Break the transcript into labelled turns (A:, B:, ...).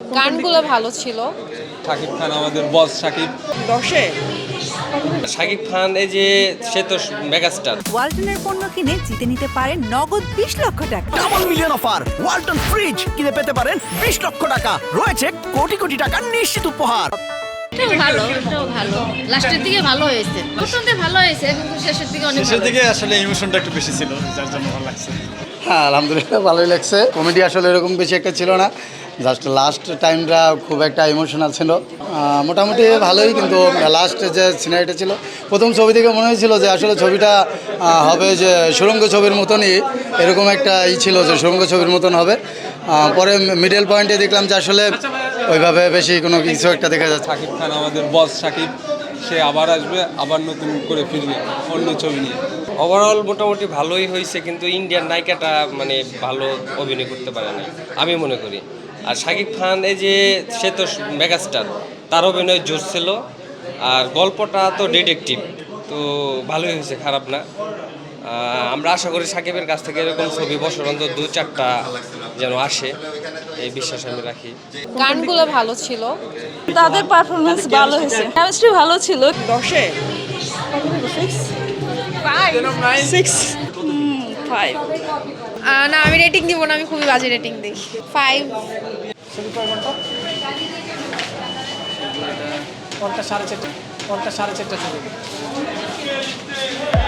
A: গানগুলো ভালো ছিল।
B: শাকিব খান আমাদের বস শাকিব।
C: 10-এ
D: শাকিব খান এই যে সে তো মেগাস্টার।
E: ওয়ালটনের পণ্য কিনে জিতে নিতে পারেন নগদ 20 লক্ষ টাকা।
F: Double million offer Walton fridge কিনে পেতে পারেন 20 লক্ষ টাকা, রয়েছে কোটি কোটি টাকার নিশ্চিত উপহার।
G: এটাও ভালো লাস্টের দিকে ভালো হয়েছে, প্রথমতে ভালো হয়েছে কিন্তু শেষের দিকে অনেক
H: শেষের দিকে আসলে ইমোশনটা একটু বেশি ছিল, যার জন্য ভালো লাগছে।
I: হ্যাঁ আলহামদুলিল্লাহ ভালোই লাগছে। কমেডি আসলে এরকম বেশি একটা ছিল না, জাস্ট লাস্ট টাইমটা খুব একটা ইমোশনাল ছিল। মোটামুটি ভালোই, কিন্তু লাস্ট যে সিনারিটা ছিল, প্রথম ছবি থেকে মনে হয়েছিল যে আসলে ছবিটা হবে যে সুড়ঙ্গ ছবির মতনই, এরকম একটা ছিল যে সুড়ঙ্গ ছবির মতন হবে। পরে মিডল পয়েন্টে দেখলাম যে আসলে ওইভাবে বেশি কোনো কিছু একটা দেখা যাচ্ছে।
B: শাকিব খান আমাদের বস শাকিব, সে আবার আসবে, আবার নতুন করে ফিরবে অন্য ছবি নিয়ে।
D: ওভারঅল মোটামুটি ভালোই হয়েছে, কিন্তু ইন্ডিয়ান নায়িকাটা মানে ভালো অভিনয় করতে পারে না আমি মনে করি। আর শাকিব খান এই যে সে তো মেগাস্টার, তার অভিনয় জোর ছিল। আর গল্পটা তো ডিটেকটিভ, তো ভালোই হয়েছে, খারাপ না। আমরা আশা করি শাকিবের কাছ থেকে এরকম ছবি বছর অন্তর 2-4টা যেন আসে, এই বিশ্বাস আমি রাখি।
A: গানগুলো ভালো ছিল।
C: তাদের পারফরমেন্স ভালো হয়েছে, কেমিস্ট্রি ভালো ছিল। 10-এ 6 5
A: না, আমি রেটিং দিব না, আমি খুবই বাজে রেটিং দিই। 5।
H: পঞ্চাশ সাড়ে চারটে ছবি।